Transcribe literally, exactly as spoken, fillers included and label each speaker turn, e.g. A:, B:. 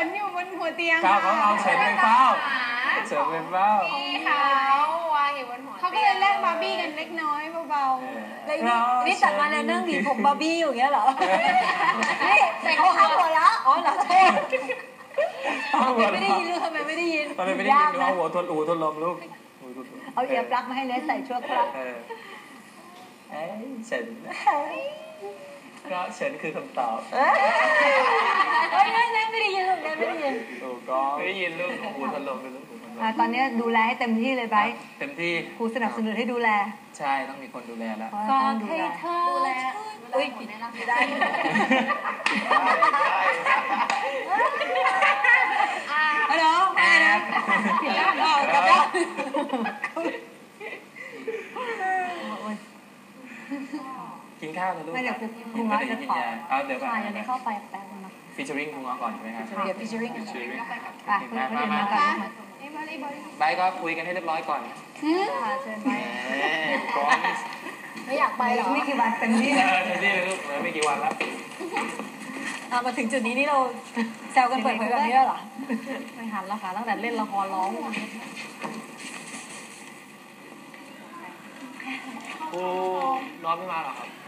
A: นอยู่บนหัวเตียง
B: ก้าวเขาเอาเฉินไปเฝ้าเฉินไปเฝ้า
A: พี่เขาวางอยู่บนหัวเขาก็เลยแลกบาร์บี้กันเล็กน้อยเบาๆ
C: แล้วนี่นี่ตัดมาแล้วนั่งหวีผมบาร์บี้อยู่อย่างเงี้ยเหรอนี่เขาหักหัวแล้วอ๋อเหรอใช่ไม่ได้ยินหรือทำไมไม่ได้ยิน
B: ทำไมไม่ได้ยินเอาหัวทนอูทนลมลูก
C: เอาเอียร์ปลั๊กมาให้เลยใส่ชั่วคราว
B: เอ้ยเฉินก็เฉินคือคำตอบ
C: เฮ้ยนั่นนั่นไม่ได้ยินลูกนั่นไม่ได้ยิน
B: ถูกต้องไม่ได้ยินลูกหูทนลมเป็นลูกหูทนลม
C: ตอนนี้ดูแลให้เต็มที่เลยไบร์ท
B: เต็มที่
C: ครูสนับสนุนให้ดูแล
B: ใช่ต้องมีคนดูแลแล้ว
C: ก็ให้เธอดูแลอุ้ยผิดได้ได้ฮัลโหลแอบผิดแล้วออกกลับแล้ว
B: กินข้าวเถอะลูก
C: ไม่เดี๋ยวครูง้อจะขอ
B: เอาเดี๋ยวก่อน
C: เดี๋ยวเข้าไปแป๊บนึงนะ
B: ฟีเจอริ่งครูง้อก่อนใช่ไหมครับ
C: เดี๋ยวฟีเจอริ่งกันไปมามา
B: ไปก็คุยกันให้เรียบร้อยก่อน
C: เชิญไปไม่อยากไปหรอไม่กี่วันเต็มที่
B: เต็มที่เลยลูกเลยไม่กี่วันแล้ว
C: มาถึงจุดนี้นี่เราแซวกันเปิดเผยแบบนี้แล้วเหรอไม่หันแล้วค่ะตั้งแต่เล่นละครร้อง
B: ครูน้องไม่มาหรอครับ